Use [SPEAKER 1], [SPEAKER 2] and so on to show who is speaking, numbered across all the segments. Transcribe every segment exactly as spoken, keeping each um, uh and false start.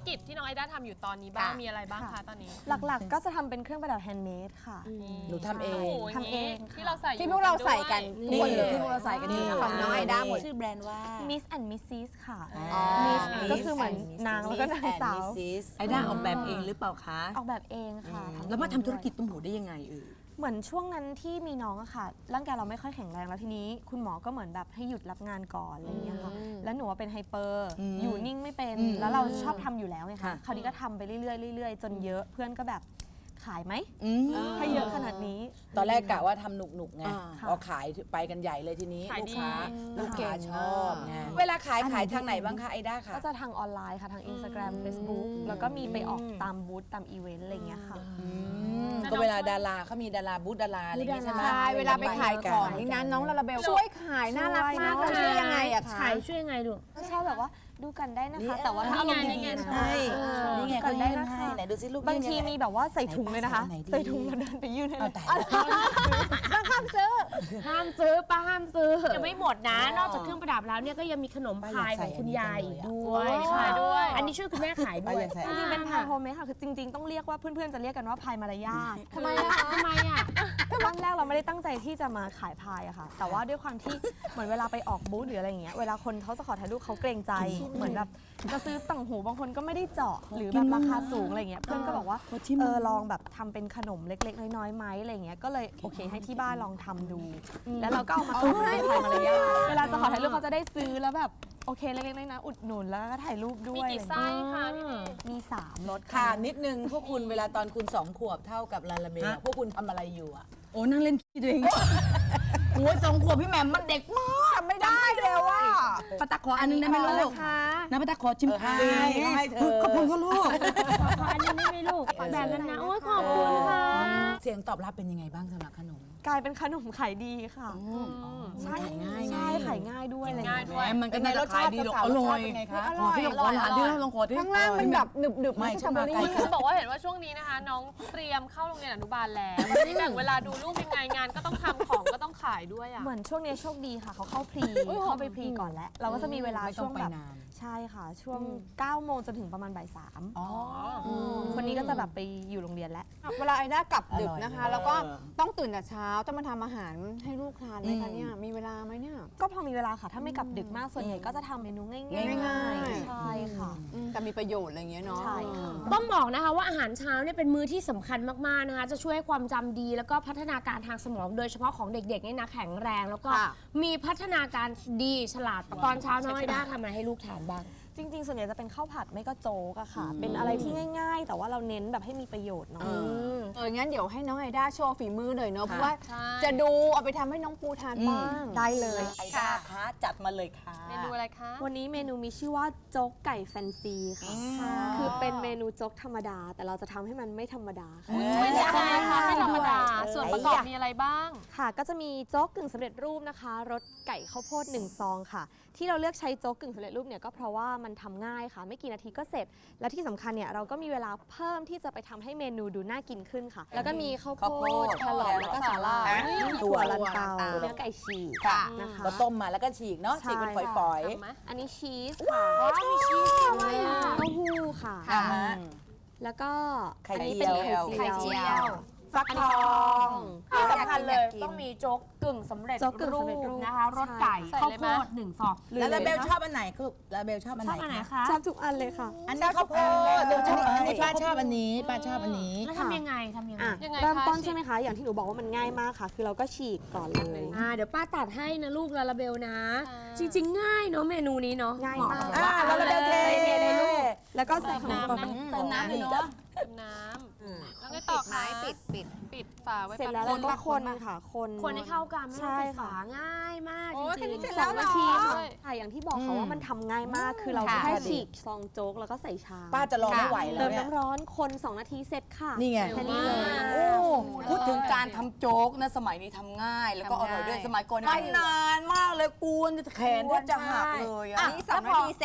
[SPEAKER 1] กิจที่น้องไอด้าทำอยู่ตอนนี้บ้างมีอะไรบ้างคะตอนนี้
[SPEAKER 2] หลักๆก็จะทำเป็นเครื่องประดับแฮนด์เมดค่ะ
[SPEAKER 3] หนูทำเอง
[SPEAKER 2] ทำเอง
[SPEAKER 1] ที่เราใส่
[SPEAKER 4] ที่พวกเราใส่กัน
[SPEAKER 3] นี่ที่พวกเราใส่กันนี่
[SPEAKER 4] ของน้องไอด้าหมด
[SPEAKER 3] ชื่อแบรนด์ว่า
[SPEAKER 2] Miss and Missus ค่ะ
[SPEAKER 3] Miss
[SPEAKER 2] ก็คือเหมือนนางแล้วก็นางสาว
[SPEAKER 3] ไอด้าออกแบบเองหรือเปล่าคะ
[SPEAKER 2] ออกแบบเองค่ะ
[SPEAKER 3] แล้วมาทำธุรกิจตุ้มหูได้ยังไงเออ
[SPEAKER 2] เหมือนช่วงนั้นที่มีน้องอะค่ะร่างกายเราไม่ค่อยแข็งแรงแล้วทีนี้คุณหมอก็เหมือนแบบให้หยุดรับงานก่อนอะไรอย่างเงี้ยค่ะแล้วหนูว่าเป็นไฮเปอร์อยู่นิ่งไม่เป็นแล้วเราชอบทำอยู่แล้วไงคะคราวนี้ก็ทำไปเรื่อยๆเรื่อยๆจนเยอะเพื่อนก็แบบขายไหมให้เยอะขนาดนี้
[SPEAKER 3] ตอนแรกกะว่าทำหนุกๆไงพอขายไปกันใหญ่เลยทีนี้ลูกค้าลูกค้าชอบไงเวลาขายขายทางไหนบ้างคะไอด้าค่ะ
[SPEAKER 2] ก็จะทางออนไลน์ค่ะทาง Instagram Facebook แล้วก็มีไปออกตามบูธตามอีเวนต์อะไรอย่างเงี้ยค่ะ
[SPEAKER 3] ก็เวลาดาราเขามีดาราบูธดาราอะไรอย่างเงี้ยใช่ไหม
[SPEAKER 4] ใช่เวลาไปขายของนี่นะน้องลาลาเบลช่วยขายน่ารักมากเลยช่วยยังไงอะคะ
[SPEAKER 5] ขายช่วยยังไงลูก
[SPEAKER 2] ชอบแบบว่าดูกันได้นะคะ แต่ว่าถ้าอารมณ์ดีๆนะ
[SPEAKER 3] ใช่นี่ไง
[SPEAKER 2] กั
[SPEAKER 3] เขา
[SPEAKER 2] นได้
[SPEAKER 3] ยื่น
[SPEAKER 2] นะ
[SPEAKER 3] ให้
[SPEAKER 2] คะ
[SPEAKER 3] ไหนดูซิลูก
[SPEAKER 2] บางทีมีแบบว่าใส่ถุงเลยนะคะใส่ถุงแล้วเดินไปยื่นให้เลย
[SPEAKER 5] ห้ามซื้อห้ามซื้อป้าห้ามซื้อยังไม่หมดนะ นอกจากเครื่องประดับแล้วเนี่ยก็ยังมีขนมพายของคุณยายอีกด้วยขายด้วย อันนี้ช่วยคุณแม่ขายด้วย
[SPEAKER 2] จริงๆเป็นพายโฮมเมดค่ะคือจริงๆต้องเรียกว่าเพื่อนๆจะเรียกกันว่าพายมารยาท
[SPEAKER 5] ทำไมอะทำไมอะ
[SPEAKER 2] ตอนแรกเราไม่ได้ตั้งใจที่จะมาขายพายอะค่ะแต่ว่าด้วยความที่เหมือนเวลาไปออกบูธหรืออะไรอย่างเงี้ยเวลาคนเขาจะขอถ่ายรูปเขาเกรงใจเหมือนแบบจะซื้อต่างหูบางคนก็ไม่ได้เจาะหรือแบบราคาสูงอะไรเงี้ยเพื่อนก็บอกว่าเออลองแบบทำเป็นขนมเล็กๆน้อยๆไหมอะไรเงี้ยก็เลยโอเคให้ที่บ้านลองทำดูแล้วเราก็เอามาขายพายมารยาทเวลาจะขอถ่ายรูปเขาจะได้ซื้อแล้วแบบโอเคเล็กๆน้อยๆอุดหนุนแล้วก็ถ่ายรูปด้วย
[SPEAKER 1] มีกี่ไส้คะพี่เมย์
[SPEAKER 2] มีสามรส
[SPEAKER 3] ค่ะนิดนึงพวกคุณเวลาตอนคุณสองขวบเท่ากับลาลาเบลพวกคุณทำอะไรอยู่อะ
[SPEAKER 6] โอ้นั่งเล่นขี้ตัวเองโอ้ยสองขวบพี่แหม่มมันเด็กมาก
[SPEAKER 4] จำไม่ได้เลยว่า
[SPEAKER 6] ป้าตักขออันนึงได้ไหมลูกนะป้าตักขอชิมพาย
[SPEAKER 3] ให้เธอ
[SPEAKER 6] ขอบคุณค่ะลูก
[SPEAKER 5] ขออันนี้ได้ไหมลูกแบ่งกันนะโอ้ยขอบคุณค่ะ
[SPEAKER 3] เสียงตอบรับเป็นยังไงบ้างสำหรับขนม
[SPEAKER 2] กลายเป็นขนมขายดีค่ะ
[SPEAKER 3] ใช่ง่าย
[SPEAKER 2] ใช่ขายง่ายด้วยอะไร
[SPEAKER 1] ง่าย
[SPEAKER 2] เงี้ย
[SPEAKER 1] ด้วย
[SPEAKER 6] มันก็
[SPEAKER 3] เป็นไง
[SPEAKER 6] น่าร จะ
[SPEAKER 3] ส
[SPEAKER 6] ขา
[SPEAKER 3] ชาย ติ
[SPEAKER 6] ดีหรอก
[SPEAKER 3] สาว
[SPEAKER 6] อ
[SPEAKER 3] ๆรส
[SPEAKER 6] ร่อ
[SPEAKER 3] ชาย ติเป็นไงคะ
[SPEAKER 6] ขอพี่ลองขอหลานดิลองขอดิ
[SPEAKER 4] ข้างล่างมันแบบหนึบหนึบๆ
[SPEAKER 3] ไม่
[SPEAKER 4] ไม่
[SPEAKER 3] ใช่
[SPEAKER 4] ใช่สตรอเบอรี่
[SPEAKER 3] มาไกล
[SPEAKER 1] คือบอกว่าเห็นว่าช่วงนี้นะคะ น้องเตรียมเข้าโรงเรียนอนุบาลแล้วไม่ได้แบ่งเวลาดูลูกยังไงงานก็ต้องทำของก็ต้องขายด้วยอ่ะ
[SPEAKER 2] เหมือนช่วงนี้โชคดีค่ะเขาเข้าพรีเข้าไปพรีก่อนแล้ว เราก็จะมีเวลา
[SPEAKER 3] ไม่ต้
[SPEAKER 2] ช่
[SPEAKER 3] อ
[SPEAKER 2] ว
[SPEAKER 3] ง
[SPEAKER 2] ง
[SPEAKER 3] ไป
[SPEAKER 2] แบบ
[SPEAKER 3] นาน
[SPEAKER 2] ใช่ค่ะ ช่วงเก้าโมงจนถึงประมาณบ่ายสาม
[SPEAKER 3] อ๋อ
[SPEAKER 2] คนนี้ก็จะแบบไปอยู่โรงเรียนแล้ว
[SPEAKER 4] เวลาไอด้ากลับดึกนะคะ
[SPEAKER 3] อร่อย
[SPEAKER 4] แล้วก็ต้องตื่นแต่เช้าต้องมาทำอาหารให้ลูกทานไหมคะเนี่ยมีเวลาไหมเนี่ย
[SPEAKER 2] ก็พอมีเวลาค่ะ ถ้าไม่กลับดึกมากส่วนใหญ่ก็จะทำเมนูง่ายๆ
[SPEAKER 4] ง่ายๆ
[SPEAKER 2] ใช่ค่ะ
[SPEAKER 4] อืมแต่มีประโยชน์อะไรอย่างเงี้ยเนาะ
[SPEAKER 2] ใช่ค่ะ
[SPEAKER 5] ต้องบอกนะคะว่าอาหารเช้าเนี่ยเป็นมื้อที่สำคัญมากๆนะคะจะช่วยให้ความจำดีแล้วก็พัฒนาการทางสมองโดยเฉพาะของเด็กๆเนี่ยนะแข็งแรงแล้วก็
[SPEAKER 4] ค่ะ
[SPEAKER 5] มีพัฒนาการดีฉลาดตอนเช้าน้องไอด้าทำอะไรให้ลูกทานบ้าง
[SPEAKER 2] จริงๆ ส่วนใหญ่จะเป็นข้าวผัดไม่ก็โจ๊กอะค่ะ เป็นอะไรที่ง่าย ๆ แต่ว่าเราเน้นแบบให้มีประโยชน์เนาะ
[SPEAKER 4] เอองั้นเดี๋ยวให้น้องไอด้าโชว์ฝีมือหน่อยเนาะเพราะว่า
[SPEAKER 1] ใช่
[SPEAKER 4] จะดูเอาไปทำให้น้องปูทานบ้าง
[SPEAKER 2] ได้เลย
[SPEAKER 3] ไอด้าคะจัดมาเลยค่ะ
[SPEAKER 1] เมนูอะไรคะ
[SPEAKER 2] วันนี้เมนูมีชื่อว่าโจ๊กไก่แฟนซีค่ะ คือเป็นเมนูโจ๊กธรรมดา แต่เราจะทำให้มันไม่ธรรมดาค่ะ
[SPEAKER 1] เป็นยังไงคะไม่ธรรมดา
[SPEAKER 2] ด้วย
[SPEAKER 1] ส่วนประกอบมีอะไรบ้าง
[SPEAKER 2] ค่ะ ก็จะมีโจ๊กกึ่งสำเร็จรูปนะคะรสไก่ข้าวโพดหนึ่งซองค่ะ ที่เราเลือกใช้โจ๊กกึ่งสำเร็จรูปเนี่ยก็เพราะว่ามันทำง่ายค่ะ ไม่กี่นาทีก็เสร็จ และที่สำคัญเนี่ยเราก็มีเวลาเพิ่มที่จะไปทำให้เมนูดูน่ากินขึ้นค่ะ แล้วก็มีข้าวโพ
[SPEAKER 3] ข้าวโพ
[SPEAKER 2] ด
[SPEAKER 3] ด
[SPEAKER 2] แครอทแล้วก็สาลายถั่วลันเตา
[SPEAKER 4] ถั่วลันเตา
[SPEAKER 2] เนื้อไก่ฉีก
[SPEAKER 3] ค่ะ
[SPEAKER 2] นะคะ
[SPEAKER 3] ก็ต้มมาแล้วก็ฉีกเนาะ
[SPEAKER 2] ใช่
[SPEAKER 3] ฉีกเป็นฝอย
[SPEAKER 1] ทำไหม
[SPEAKER 2] อันนี้ชีสค่ะ
[SPEAKER 1] มีชีสด้วยอ่ะ
[SPEAKER 2] เต้าหู้ค่ะ
[SPEAKER 3] ๆอ่าฮะ
[SPEAKER 2] แล้วก็
[SPEAKER 3] ไข่
[SPEAKER 2] อันนี้
[SPEAKER 3] เจี
[SPEAKER 2] เป็น
[SPEAKER 3] ยว
[SPEAKER 2] ไข่เจียว
[SPEAKER 4] ฟักทอง
[SPEAKER 5] ที่สำคัญเลยต้องมีโจ๊กกึ่งสำเร็จ
[SPEAKER 2] โจ๊กกึ่งสำเร็จรู
[SPEAKER 5] รู
[SPEAKER 2] ป
[SPEAKER 5] ปนะคะรสไก่
[SPEAKER 1] ใส่
[SPEAKER 5] ข้าว
[SPEAKER 1] เลย
[SPEAKER 5] โพ
[SPEAKER 1] ไหม
[SPEAKER 5] ดหนึ่งฟอง
[SPEAKER 3] แล้วลาเบลชอบอันไหนคือลาเบลชอบอัน
[SPEAKER 5] ช
[SPEAKER 3] ไหน
[SPEAKER 5] อบอันไหน
[SPEAKER 3] คะ
[SPEAKER 5] คะ
[SPEAKER 2] ชอบทุกอันเลยค่ะ
[SPEAKER 3] อันนี้ข้าวโพดเบลชอบอันนี้ป้าชอบอันนี้ป้าชอบอันนี้
[SPEAKER 5] แล้วทำยังไงทำยังไง
[SPEAKER 2] อ่ะ
[SPEAKER 1] ยังไง
[SPEAKER 2] เริ่ม
[SPEAKER 1] คะ
[SPEAKER 2] ต้น
[SPEAKER 1] ฉีก
[SPEAKER 2] ใช่ไหมคะ อย่างที่หนูบอกว่ามันง่ายมากค่ะ คือเราก็ฉีกก่อนเลย
[SPEAKER 5] อ่าเดี๋ยวป้าตัดให้นะลูกลาลาเบลนะ
[SPEAKER 1] ค่ะ
[SPEAKER 5] จริง ๆ ง่ายเนาะเมนูนี้เนาะ
[SPEAKER 2] ง่ายมาก
[SPEAKER 3] อ่าแล้วลาเบลเท
[SPEAKER 2] เลยลูก แล้วก็ใส่ขนม
[SPEAKER 1] น้ำ
[SPEAKER 2] ปัง
[SPEAKER 1] นะ
[SPEAKER 2] เติมน้ำเลยเนาะ
[SPEAKER 1] เติมน้ำแล้วไงต่อคะ
[SPEAKER 4] ปิดปิด
[SPEAKER 1] ปิดฝาไว้
[SPEAKER 2] เสร็จแล้ว
[SPEAKER 1] แป๊
[SPEAKER 2] เรา
[SPEAKER 1] บ
[SPEAKER 2] ก็
[SPEAKER 1] นึง
[SPEAKER 2] คนค่ะ คน
[SPEAKER 5] คนให้เข้ากันไม่
[SPEAKER 2] ใช่
[SPEAKER 5] ต้องปิด
[SPEAKER 2] ค่ะ
[SPEAKER 5] ฝาง่ายมาก
[SPEAKER 4] โอ้ย
[SPEAKER 5] จริง
[SPEAKER 4] แค่นี้เสร็จ
[SPEAKER 5] ๆ
[SPEAKER 4] แล้วเหรอ
[SPEAKER 2] นาทีค่ะค่ะอย่างที่บอกค่ะว่ามันทำง่ายมาก คือเรา
[SPEAKER 3] ค่ะ
[SPEAKER 2] แค่ฉีกซองโจ๊กแล้วก็ใส่ชาม
[SPEAKER 3] ป้าจะรอไม่ไหวแล้
[SPEAKER 2] เติ
[SPEAKER 3] ว
[SPEAKER 2] ม
[SPEAKER 3] เนี่ย
[SPEAKER 2] น้ำร้อนคนสองนาทีเสร็จค่ะ
[SPEAKER 3] นี่ไง
[SPEAKER 2] แค่นี้เลย
[SPEAKER 6] โอ้พูดถึงการทำโจ๊กนะสมัยนี้ทำง่าย แล้วก็อร่อยด้วยสมัยก่อนเนี่ยนานมากเลยกวนแขนแทบจะหักเลย
[SPEAKER 4] อัน
[SPEAKER 6] อ่ะ
[SPEAKER 4] นี้สองนาทีเสร็จ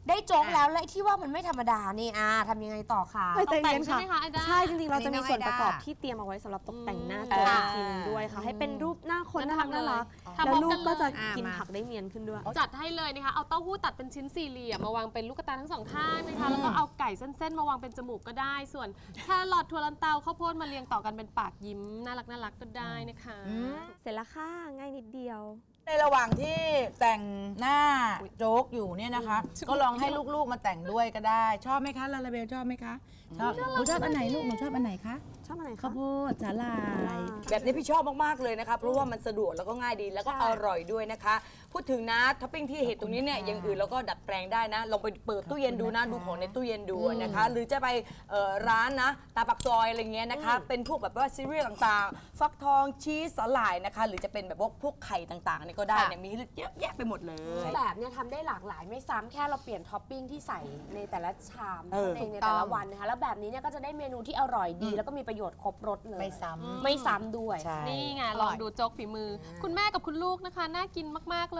[SPEAKER 5] ได้โจ๊กแล้วและที่ว่ามันไม่ธรรมดานี่อ่าทำยังไงต่อคะ
[SPEAKER 2] ใจเย็น
[SPEAKER 1] ใช่
[SPEAKER 2] ค่ะ
[SPEAKER 1] ไหมคะไอด้า
[SPEAKER 2] ใช่จริงๆ เราจะมี
[SPEAKER 4] อันนี้น้อง
[SPEAKER 2] ส่วนประกอบ
[SPEAKER 4] ไอด้า
[SPEAKER 2] ที่เตรียมเอาไว้สำหรับตกแต่งหน้า
[SPEAKER 3] เอ
[SPEAKER 2] ตัว
[SPEAKER 3] อ
[SPEAKER 2] อีกทีหนึงด้วยค่ะ ให้เป็นรูปหน้าคน
[SPEAKER 1] งั้น
[SPEAKER 2] น่ารัก
[SPEAKER 1] ทำเลย
[SPEAKER 2] น่ารัก
[SPEAKER 1] ทำพร้
[SPEAKER 2] แล้
[SPEAKER 1] อ
[SPEAKER 2] ว
[SPEAKER 1] ม
[SPEAKER 2] ลู
[SPEAKER 1] กั
[SPEAKER 2] ก
[SPEAKER 1] น
[SPEAKER 2] ก็จะ
[SPEAKER 1] เลย
[SPEAKER 2] กินผักได้เนียนขึ้นด้วย
[SPEAKER 1] จัดให้เลยนะคะ เอาเต้าหู้ตัดเป็นชิ้นสี่เหลี่ยมมาวางเป็นลูกตาทั้งสองข้างนะคะ แล้วก็เอาไก่เส้นๆมาวางเป็นจมูกก็ได้ ส่วนแครอทถั่วลันเตาข้าวโพดมาเรียงต่อกันเป็นปากยิ้มน่ารักน่ารักก็ได้นะคะ
[SPEAKER 2] เสร็จแล้วค่ะง่ายนิดเดียว
[SPEAKER 3] ในระหว่างที่แต่งหน้าโจ๊กอยู่เนี่ยนะคะ ก็ลองให้ลูกๆมาแต่งด้วยก็ได้ ชอบไหมคะลาลาเบลชอบไหมคะชอบหนูชอบอันไหนลูกหนูชอบอันไหนคะ
[SPEAKER 2] ชอบอะไรคะ
[SPEAKER 3] ข้าวโพดสาลาย
[SPEAKER 6] แบบนี้พี่ชอบมาก ๆ เลยนะคะเพราะว่ามันสะดวกแล้วก็ง่ายดีแล้วก็อร่อยด้วยนะคะ พูดถึงนะท็อปปิ้งที่เห็นตรงนี้เนี่ยอย่างอื่นเราก็ดัดแปลงได้นะ ลองไปเปิดตู้เย็นดูนะ ดูของในตู้เย็นดูนะคะ หรือจะไปเอ่อร้านนะตาปักซอยอะไรเงี้ยนะคะ เป็นพวกแบบว่าซีเรียลต่างๆ ฟักทองชีสสาหร่ายนะคะ หรือจะเป็นแบบว่าพวกไข่ต่างๆเนี่ยก็ได้เนี่ยมีให้เลือกเยอะแยะไปหมดเลย
[SPEAKER 5] แบบเนี่ยทำได้หลากหลายไม่ซ้ำแค่เราเปลี่ยนท็อปปิ้งที่ใส่ในแต่ละชาม
[SPEAKER 6] เออ
[SPEAKER 5] เองในแต่ละวันนะคะแล้วแบบนี้เนี่ยก็จะได้เมนูที่อร่อยดี แล้วก็มีประโยชน์ครบรสเลย
[SPEAKER 3] ไม่ซ้ำ
[SPEAKER 5] ไม่ซ้ำด้วย
[SPEAKER 3] ใช่
[SPEAKER 1] นี่ไงลองดูโจ๊กฝีมือ คุณแม่กับคุณลูกนะคะ น่ากินมากๆเลย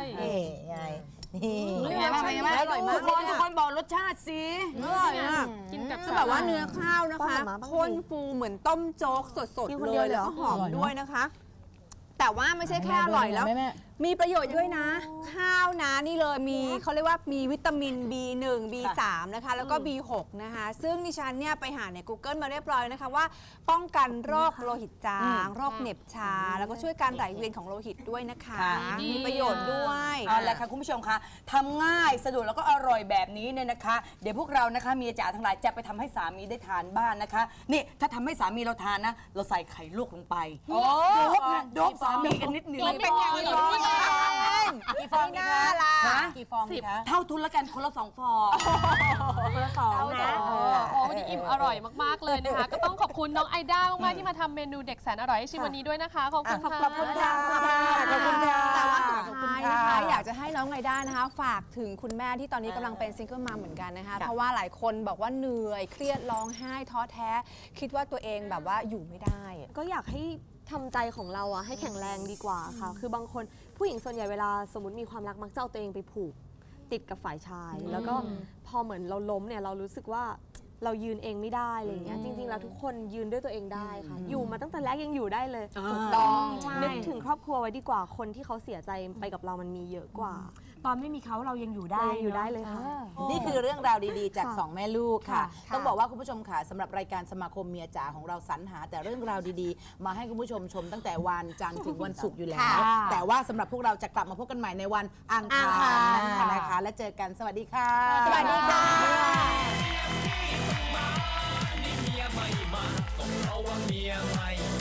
[SPEAKER 3] นี่ไงนี่
[SPEAKER 4] เป็นไงบ้างเป็นไงบ้างอร่อยมาก
[SPEAKER 6] ทุกคนทุกคนบอกรสชาติสิ
[SPEAKER 4] อร่อยมาก
[SPEAKER 1] กินกับ
[SPEAKER 4] คือแบบว่าเนื้อข้าวนะ
[SPEAKER 2] ป้อน
[SPEAKER 4] คะ
[SPEAKER 2] หมาบ้างสิ
[SPEAKER 4] ข้นฟูเหมือนต้มโจ๊กสด
[SPEAKER 2] กิน
[SPEAKER 4] ๆ
[SPEAKER 2] คน
[SPEAKER 4] เล
[SPEAKER 2] เดียวย เหรอ
[SPEAKER 4] แล้วก็หอมด้วยนะคะ แต่ว่าไม่ใช่แค่อร่อยแล้ว มีประโยชน์ด้วยนะ ข้าวนะนี่เลยมีเขาเรียกว่ามีวิตามิน บี หนึ่ง บี สาม นะคะ แล้วก็ บี หก นะคะ ซึ่งดิฉันเนี่ยไปหาใน Google มาเรียบร้อยนะคะว่าป้องกันโรคโลหิตจาง โรคเหน็บชา แล้วก็ช่วยการไหลเวียนของโลหิตด้วยนะคะ
[SPEAKER 6] ค่ะ
[SPEAKER 4] มีประโยชน์ด้วย
[SPEAKER 6] เอาละค่ะคุณผู้ชมคะทำง่ายสะดวกแล้วก็อร่อยแบบนี้เนี่ยนะคะ เดี๋ยวพวกเรานะคะเมียจ๋าทั้งหลายจะไปทำให้สามีได้ทานบ้านนะคะ นี่ถ้าทำให้สามีเราทานนะ เราใส่ไข่ลวกลงไปโดบนะโดบสามีกันนิดหนึง
[SPEAKER 1] เป็นอย่างนี้
[SPEAKER 3] กี่ฟองดีคะฮะกี่ฟองดีคะ
[SPEAKER 6] เท่าทุนละกันคนละสองฟอง
[SPEAKER 5] สองนะ
[SPEAKER 1] โอ้โหวันนี้อิ่มอร่อยมากๆเลยนะคะ ก็ต้องขอบคุณน้องไอด้ามากๆที่มาทำเมนูเด็กแสนอร่อยให้ชิมวันนี้ด้วยนะคะ ขอบคุณค่ะ
[SPEAKER 3] ขอบคุณค่ะขอบคุณค่ะ
[SPEAKER 4] แต่ว่าสุด
[SPEAKER 3] ขอบคุณ
[SPEAKER 4] ท้าย
[SPEAKER 3] ค่ะ
[SPEAKER 4] นะคะอยากจะให้น้องไงด้านะคะ ฝากถึงคุณแม่ที่ตอนนี้กำลังเป็นซิงเกิลมัมเหมือนกันนะคะ เพราะว่าหลายคนบอกว่าเหนื่อยเครียดร้องไห้ท้อแท้ คิดว่าตัวเองแบบว่าอยู่ไม่ได้
[SPEAKER 2] ก็อยากให้ทำใจของเราอะให้แข็งแรงดีกว่าค่ะ คือบางคนผู้หญิงส่วนใหญ่เวลาสมมติมีความรักมักจะเอาตัวเองไปผูกติดกับฝ่ายชาย แล้วก็พอเหมือนเราล้มเนี่ยเรารู้สึกว่าเรายืนเองไม่ได้อะไรอย่างเงี้ยจริงๆแล้วทุกคนยืนด้วยตัวเองได้ค่ะ อยู่มาตั้งแต่แรกยังอยู่ได้เลย
[SPEAKER 6] ถูก
[SPEAKER 2] ต้อง
[SPEAKER 5] ใช่
[SPEAKER 2] นึกถึงครอบครัวไว้ดีกว่าคนที่เขาเสียใจไปกับเรามันมีเยอะกว่า
[SPEAKER 5] ตอนไม่มีเขาเรายังอยู่ได้
[SPEAKER 2] เรายังอยู่ได้
[SPEAKER 5] นะ
[SPEAKER 2] เลยค่ะ
[SPEAKER 3] นี่คือเรื่องราวดีๆ จาก
[SPEAKER 2] ค่ะ
[SPEAKER 3] สองแม่ลูกค่ะ
[SPEAKER 4] ค่ะ
[SPEAKER 3] ต้องบอกว่าคุณผู้ชมค่ะสำหรับรายการสมาคมเมียจ๋าของเราสรรหา แต่เรื่องราวดีๆ มาให้คุณผู้ชมชมตั้งแต่วันจันทร์ถึงวันศุกร์อยู่แล้ว
[SPEAKER 5] ค่ะ
[SPEAKER 3] แต่ว่าสำหรับพวกเราจะกลับมาพบกันใหม่ในวันอังคาร
[SPEAKER 4] อังคาร
[SPEAKER 3] หน้านะคะ และเจอกันสวัสดีค่ะ
[SPEAKER 4] สวัสดีค่ะ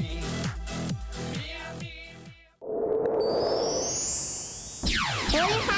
[SPEAKER 7] เฮ้ยห